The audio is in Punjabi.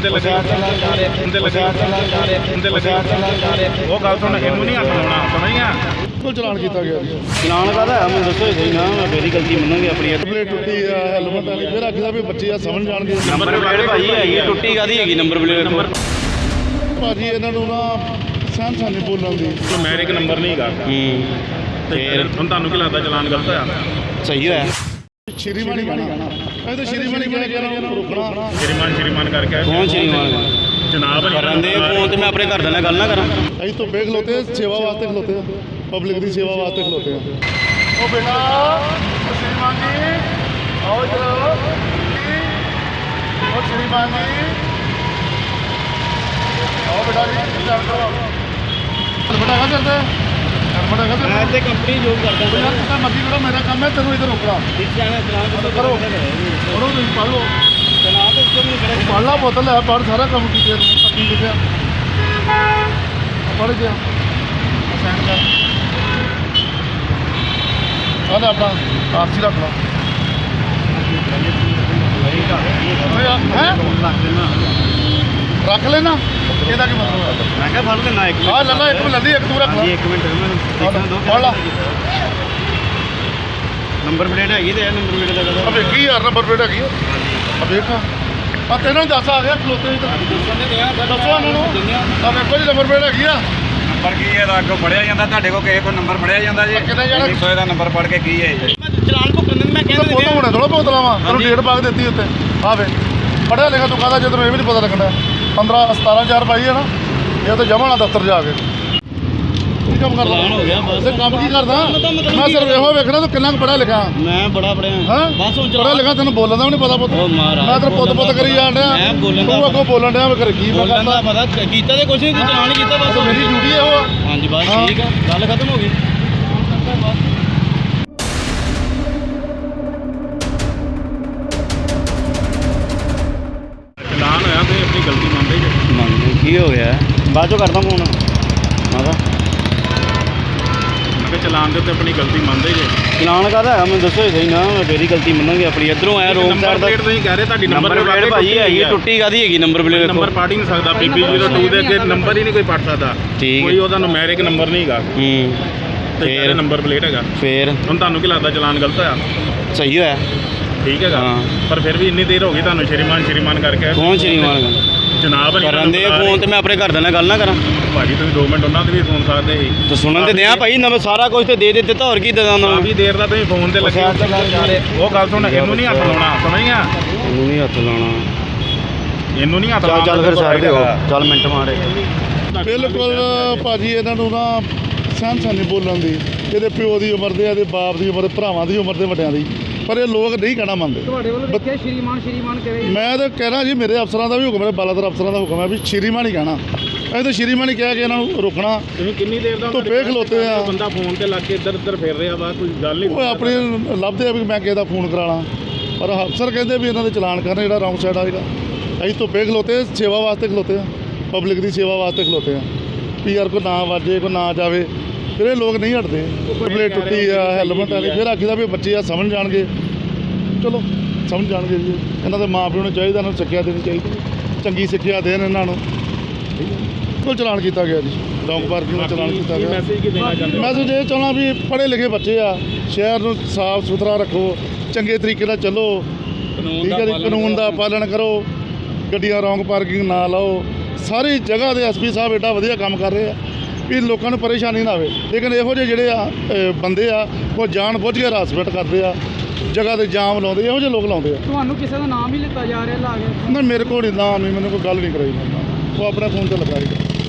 ਤੇ ਲੱਗੇ ਉਹ ਗੱਲ ਸੁਣ, ਇਹਨੂੰ ਨਹੀਂ ਹੱਥ ਲਾਉਣਾ, ਸਮਝੀਆਂ? ਬਿਲਕੁਲ ਚਲਾਨ ਕੀਤਾ ਗਿਆ ਜੀ। ਚਲਾਨ ਕਾਹਦਾ ਹੈ ਮੈਨੂੰ ਦੱਸੋ ਸਹੀ ਨਾ, ਮੈਂ ਮੇਰੀ ਗਲਤੀ ਮੰਨਾਂਗੇ ਆਪਣੀ। ਪਲੇਟ ਟੁੱਟੀ ਆ, ਹੈਲਮਟ ਵਾਲੀ, ਫਿਰ ਆਖਦਾ ਵੀ ਬੱਚੇ ਆ ਸਮਝ ਜਾਣਗੇ। ਨੰਬਰ ਪਲੇਟ ਭਾਜੀ ਹੈਗੀ, ਟੁੱਟੀ ਕਾਹਦੀ ਹੈਗੀ ਨੰਬਰ ਪਲੇਟ? ਭਾਜੀ ਇਹਨਾਂ ਨੂੰ ਨਾ ਸਹਿਣ ਨਹੀਂ ਬੋਲਣ ਦੀ। ਮੈਰਿਕ ਨੰਬਰ ਨਹੀਂ ਹੈਗਾ। ਫਿਰ ਹੁਣ ਤੁਹਾਨੂੰ ਕੀ ਲੱਗਦਾ ਚਲਾਨ ਗਲਤ ਹੋਇਆ? ਸਹੀ ਹੋਇਆ। ਸ਼੍ਰੀਮਾਨ ਹੀ ਕਹਿਣਾ, ਇਹ ਤਾਂ ਸ਼੍ਰੀਮਾਨ ਹੀ ਕਹਿ ਕੇ ਇਹਨਾਂ ਨੂੰ ਰੋਕਣਾ। ਸ਼੍ਰੀਮਾਨ ਕਰਕੇ ਕੌਣ ਸ਼੍ਰੀਮਾਨ ਜਨਾਬ ਕਰਨ ਦੇ ਫੋਨ ਤੇ? ਮੈਂ ਆਪਣੇ ਘਰ ਦੇ ਨਾਲ ਗੱਲ ਨਾ ਕਰਾਂ। ਅਸੀਂ ਤੋਂ ਬੇਖ ਖਲੋਤੇ, ਸੇਵਾ ਵਾਸਤੇ ਖਲੋਤੇ ਆ, ਪਬਲਿਕ ਦੀ ਸੇਵਾ ਵਾਸਤੇ ਖਲੋਤੇ ਆ। ਉਹ ਬੇਟਾ ਸ਼੍ਰੀਮਾਨ ਜੀ ਆਓ ਚਲੋ। ਉਹ ਸ਼੍ਰੀਮਾਨ ਜੀ ਆਓ ਬੇਟਾ ਜੀ, ਚੱਲ ਕਰੋ ਬੇਟਾ। ਕਾ ਚੱਲਦਾ ਬੇਟਾ? ਕਾ ਮੈਂ ਤੇ ਕੰਪਨੀ ਜੋਬ ਕਰਦਾ ਯਾਰ ਤੁਸੀਂ ਮਰਜ਼ੀ ਕਰੋ, ਮੇਰਾ ਕੰਮ ਹੈ ਤੈਨੂੰ ਇੱਧਰ ਰੋਕਣਾ। ਕਰੋ ਕਰੋ, ਤੁਸੀਂ ਪੜ੍ਹ ਲਓ, ਪੜ੍ਹ ਲਾ, ਬੋਤਲ ਹੈ, ਪੜ੍ਹ, ਸਾਰਾ ਕੰਮ ਕੀਤੇ ਕੀ ਲਿਖਿਆ ਪੜ੍ਹ ਗਿਆ। ਸੈਂਡ ਕਰ ਆ ਲੈ ਆਪਣਾ ਆਰਸੀ ਰੱਖ ਲਾ। ਰੱਖ ਲੈਣਾ, ਇਹਦਾ ਕੀ ਮਤਲਬ ਹੈ? ਮੈਂ ਕਿਹਾ ਫੜ ਲੈਣਾ ਇੱਕ ਆ ਲੈ ਲਾ, ਇੱਕ ਮਿੰਟ ਇੱਕ ਤੂੰ ਰੱਖ ਲਾ। ਇੱਕ ਮਿੰਟ ਪੜ੍ਹ ਲਾ। ਨੰਬਰ ਪਲੇਟ ਹੈਗੀ ਤੇ ਨੰਬਰ ਪਲੇਟ ਦਾ ਆ ਵੇਖੀ ਯਾਰ, ਨੰਬਰ ਪਲੇਟ ਹੈਗੀ ਆ, ਵੇਖ ਆ ਤੈਨੂੰ ਦੱਸ ਆ ਗਿਆ ਖਲੋਤੇ ਦੱਸੋ ਇਹਨਾਂ ਨੂੰ। ਆ ਵੇਖੋ ਜੀ ਨੰਬਰ ਪਲੇਟ ਹੈਗੀ ਆ। ਨੰਬਰ ਕੀ ਹੈ? ਅੱਗੋਂ ਫੜਿਆ ਜਾਂਦਾ, ਤੁਹਾਡੇ ਕੋਲ ਕਿਸੇ ਕੋਲ ਨੰਬਰ ਫੜਿਆ ਜਾਂਦਾ ਜੀ? ਕਿੰਨੇ ਜਾਣਾ? 300 ਦਾ ਨੰਬਰ ਪੜ ਕੇ ਕੀ ਹੈ ਜੀ? ਚਲਾਨ ਭੁਗਤਣ ਨੂੰ ਮੈਂ ਉਹ ਫੋਟੋ ਹੋਣਾ ਥੋੜਾ ਬੋਤਲਾਂ ਵਾ, ਤੈਨੂੰ ਡੇਟ ਪਾ ਕੇ ਦਿੱਤੀ ਉੱਤੇ। ਆ ਵੇ ਪੜਿਆ ਲਿਖਿਆ ਤੂੰ ਕਹਦਾ, ਜਦੋਂ ਇਹ ਵੀ ਨਹੀਂ ਪਤਾ ਲੱਗਣਾ। 17 ਪਾਈ ਹੈ ਨਾ, ਇਹ ਤਾਂ ਜਮਾ ਨਾ ਦਫ਼ਤਰ ਜਾ ਕੇ ਕੀ ਕੰਮ ਕਰਦਾ? ਚਲਾਨ ਹੋ ਗਿਆ ਬਸ। ਤੇ ਕੰਮ ਕੀ ਕਰਦਾ? ਮੈਂ ਸਿਰਫ ਇਹੋ ਵੇਖਣਾ ਤੂੰ ਕਿੰਨਾ ਕੁ ਪੜਿਆ ਲਿਖਿਆ। ਮੈਂ ਬੜਾ ਪੜਿਆ ਹਾਂ ਬਸ ਹੁਣ ਪੜਿਆ ਲਿਖਿਆ, ਤੈਨੂੰ ਬੋਲਣ ਦਾ ਵੀ ਨਹੀਂ ਪਤਾ ਪੁੱਤ। ਉਹ ਮਹਾਰਾਜ ਮੈਂ ਤੈਨੂੰ ਪੁੱਤ ਕਰੀ ਜਾਣ ਡਿਆ, ਮੈਂ ਬੋਲਣ ਦਾ ਤੂੰ ਅੱਗੋਂ ਬੋਲਣ ਡਿਆ ਮੈਂ ਕੀ ਮੈਂ ਬੋਲਣ ਦਾ ਕਰਦਾ। ਪਤਾ ਕੀਤਾ ਤੇ ਕੁਛ ਨਹੀਂ, ਤੂੰ ਚਲਾਨ ਹੀ ਕੀਤਾ ਬਸ। ਮੇਰੀ ਡਿਊਟੀ ਇਹੋ ਆ। ਹਾਂਜੀ ਬਸ ਹਾਂ। ਠੀਕ ਆ, ਗੱਲ ਖਤਮ ਹੋ ਗਈ। ਚਲਾਨ ਹੋਇਆ ਤੇ ਆਪਣੀ ਗਲਤੀ ਮੰਨਦੇ ਜੇ? ਮੰਨ ਕੀ ਹੋ ਗਿਆ? ਬਾਅਦ ਚੋਂ ਕਰਦਾ ਫੋਨ ਮਾਦਾ। ਮੈਂ ਕਿਹਾ ਚਲਾਨ ਦੇ ਉੱਤੇ ਆਪਣੀ ਗਲਤੀ ਮੰਨਦੇ ਜੇ? ਚਲਾਨ ਕਾਹਦਾ ਹੈ ਮੈਨੂੰ ਦੱਸੋ ਸਹੀ ਨਾ, ਮੈਂ ਮੇਰੀ ਗਲਤੀ ਮੰਨਾਂਗੇ ਆਪਣੀ। ਇੱਧਰੋਂ ਆਇਆ ਰੋਡ ਨੰਬਰ ਸਾਈਡ ਦਾ। ਪਲੇਟ ਤੁਸੀਂ ਕਹਿ ਰਹੇ ਤੁਹਾਡੀ ਨੰਬਰ ਪਲੇਟ ਭਾਜੀ ਹੈਗੀ, ਟੁੱਟੀ ਕਾਹਦੀ ਹੈਗੀ ਨੰਬਰ ਪਲੇਟ? ਨੰਬਰ ਪੜ੍ਹ ਹੀ ਨਹੀਂ ਸਕਦਾ। PB02 ਦੇ ਅੱਗੇ ਨੰਬਰ ਹੀ ਨਹੀਂ ਕੋਈ ਪੜ੍ਹ ਸਕਦਾ। ਠੀਕ। ਕੋਈ ਉਹਦਾ ਨੂਮੈਰਿਕ ਨੰਬਰ ਨਹੀਂ ਹੈਗਾ ਤੇ ਫੇਰ ਨੰਬਰ ਪਲੇਟ ਹੈਗਾ। ਫੇਰ ਹੁਣ ਤੁਹਾਨੂੰ ਕੀ ਲੱਗਦਾ ਚਲਾਨ ਗਲਤ ਹੋਇਆ? ਸਹੀ ਹੋਇਆ। ਠੀਕ ਹੈਗਾ। ਹਾਂ। ਪਰ ਫਿਰ ਵੀ ਇੰਨੀ ਦੇਰ ਹੋ ਗਈ ਤੁਹਾਨੂੰ ਸ਼੍ਰੀਮਾਨ ਕਰਕੇ। ਕੌਣ ਸ਼੍ਰੀਮਾਨ ਜਨਾਬ ਕਰਨ ਦੇ ਫੋਨ ਤੇ? ਮੈਂ ਆਪਣੇ ਘਰ ਦੇ ਨਾਲ ਗੱਲ ਨਾ ਕਰਾਂ। ਭਾਜੀ ਤੁਸੀਂ 2 ਮਿੰਟ ਉਹਨਾਂ ਦੇ ਵੀ ਸੁਣ ਸਕਦੇ ਸੀ। ਤੇ ਸੁਣਨ ਤੇ ਦਿਆਂ ਭਾਈ, ਨਵੇਂ ਸਾਰਾ ਕੁਝ ਤੇ ਦੇ ਦਿੱਤਾ, ਹੋਰ ਕੀ ਦੇ ਦਾਂ ਉਹਨਾਂ ਨੂੰ? ਕਾਫੀ ਦੇਰ ਦਾ ਤੁਸੀਂ ਫੋਨ ਤੇ ਲੱਗੇ। ਉਹ ਗੱਲ ਸੁਣ, ਇਹਨੂੰ ਨਹੀਂ ਹੱਥ ਲਾਉਣਾ, ਸਮਝੀਆਂ? ਇਹਨੂੰ ਨਹੀਂ ਹੱਥ ਲਾਉਣਾ। ਇਹਨੂੰ ਨਹੀਂ ਹੱਥ ਚੱਲ ਲਾਉਣਾ। ਚੱਲ ਫਿਰ ਸਾਈਡ ਹੋ, ਚੱਲ ਮਿੰਟ ਮਾਰੇ। ਬਿਲਕੁਲ ਭਾਜੀ ਇਹਨਾਂ ਨੂੰ ਨਾ ਸਹਿਣ ਨਹੀਂ ਬੋਲਣ ਦੀ। ਇਹਦੇ ਪਿਓ ਦੀ ਉਮਰ ਦੇ, ਇਹਦੇ ਬਾਪ ਦੀ ਉਮਰ ਦੇ, ਭਰਾਵਾਂ ਦੀ ਉਮਰ ਦੇ, ਵੱਡਿਆਂ ਦੀ, ਪਰ ਇਹ ਲੋਕ ਨਹੀਂ ਕਹਿਣਾ ਮੰਨਦੇ। ਤੁਹਾਡੇ ਵੱਲੋਂ ਵੇਖਿਆ ਸ਼੍ਰੀਮਾਨ ਕਰੇ। ਮੈਂ ਤਾਂ ਕਹਿਣਾ ਜੀ, ਮੇਰੇ ਅਫਸਰਾਂ ਦਾ ਵੀ ਹੁਕਮ ਹੈ, ਬਾਲਾਦਰ ਅਫਸਰਾਂ ਦਾ ਹੁਕਮ ਹੈ ਵੀ ਸ਼੍ਰੀਮਾਨ ਹੀ ਕਹਿਣਾ। ਅਸੀਂ ਤਾਂ ਸ਼੍ਰੀਮਾਨ ਹੀ ਕਹਿ ਕੇ ਇਹਨਾਂ ਨੂੰ ਰੋਕਣਾ। ਤੁਸੀਂ ਕਿੰਨੀ ਦੇਰ ਦਾ ਧੁੱਪੇ ਖਲੋਤੇ ਆ। ਬੰਦਾ ਫੋਨ ਤੇ ਲੱਗ ਕੇ ਇੱਧਰ ਉੱਧਰ ਫਿਰ ਰਿਹਾ ਵਾ, ਕੋਈ ਗੱਲ ਨਹੀਂ। ਉਹ ਆਪਣੇ ਲੱਭਦੇ ਆ ਵੀ ਮੈਂ ਕਿਸੇ ਦਾ ਫੋਨ ਕਰਾਣਾ, ਪਰ ਅਫਸਰ ਕਹਿੰਦੇ ਵੀ ਇਹਨਾਂ ਦੇ ਚਲਾਨ ਕਰਨ, ਜਿਹੜਾ ਰੌਂਗ ਸਾਈਡ ਆਏਗਾ। ਅਸੀਂ ਧੁੱਪੇ ਖਲੋਤੇ, ਸੇਵਾ ਵਾਸਤੇ ਖਲੋਤੇ ਆ, ਪਬਲਿਕ ਦੀ ਸੇਵਾ ਵਾਸਤੇ ਖਲੋਤੇ ਆ ਵੀ ਯਾਰ ਕੋਈ ਨਾ ਵੱਜੇ, ਕੋਈ ਨਾ ਜਾਵੇ। ਫਿਰ ਇਹ ਲੋਕ ਨਹੀਂ ਹਟਦੇ। ਪਲੇਟ ਟੁੱਟੀ ਆ, ਹੈਲਮਟ ਵਾਲੀ, ਫਿਰ ਆਖੀਦਾ ਵੀ ਬੱਚੇ ਆ ਸਮਝ ਜਾਣਗੇ। ਚਲੋ ਸਮਝ ਜਾਣਗੇ ਜੀ। ਇਹਨਾਂ ਦੇ ਮਾਂ ਪਿਓ ਨੂੰ ਚਾਹੀਦਾ, ਇਹਨਾਂ ਨੂੰ ਸਿੱਖਿਆ ਦੇਣੀ ਚਾਹੀਦੀ, ਚੰਗੀ ਸਿੱਖਿਆ ਦੇਣ ਇਹਨਾਂ ਨੂੰ। ਬਿਲਕੁਲ ਚਲਾਨ ਕੀਤਾ ਗਿਆ ਜੀ, ਰੌਂਗ ਪਾਰਕਿੰਗ ਦਾ ਚਲਾਨ ਕੀਤਾ ਗਿਆ। ਮੈਸੇਜ ਕੀ ਦੇਣਾ ਚਾਹੁੰਦੇ? ਮੈਸੇਜ ਇਹ ਚਾਹੁੰਦਾ ਵੀ ਪੜ੍ਹੇ ਲਿਖੇ ਬੱਚੇ ਆ, ਸ਼ਹਿਰ ਨੂੰ ਸਾਫ ਸੁਥਰਾ ਰੱਖੋ, ਚੰਗੇ ਤਰੀਕੇ ਨਾਲ ਚੱਲੋ, ਠੀਕ ਹੈ ਜੀ, ਕਾਨੂੰਨ ਦਾ ਪਾਲਣ ਕਰੋ, ਗੱਡੀਆਂ ਰੌਂਗ ਪਾਰਕਿੰਗ ਨਾ ਲਾਓ। ਸਾਰੀ ਜਗ੍ਹਾ ਦੇ ਐਸਪੀ ਸਾਹਿਬ ਏਡਾ ਵਧੀਆ ਕੰਮ ਕਰ ਰਹੇ ਆ ਵੀ ਲੋਕਾਂ ਨੂੰ ਪਰੇਸ਼ਾਨੀ ਨਾ ਆਵੇ। ਲੇਕਿਨ ਇਹੋ ਜਿਹੇ ਜਿਹੜੇ ਆ ਬੰਦੇ ਆ, ਉਹ ਜਾਣ ਬੁੱਝ ਕੇ ਹਰਾਸਮੈਂਟ ਕਰਦੇ ਆ, ਜਗ੍ਹਾ ਤੇ ਜਾਮ ਲਾਉਂਦੇ, ਇਹੋ ਜਿਹੇ ਲੋਕ ਲਾਉਂਦੇ ਆ। ਤੁਹਾਨੂੰ ਕਿਸੇ ਦਾ ਨਾਮ ਹੀ ਲਿੱਤਾ ਜਾ ਰਿਹਾ ਲਾ ਕੇ? ਨਾ ਮੇਰੇ ਕੋਲ ਨਹੀਂ ਨਾਮ, ਨਹੀਂ ਮੈਨੂੰ ਕੋਈ ਗੱਲ ਨਹੀਂ ਕਰਾਈ। ਉਹ ਆਪਣੇ ਫੋਨ ਤੇ ਲਗਾਏਗਾ।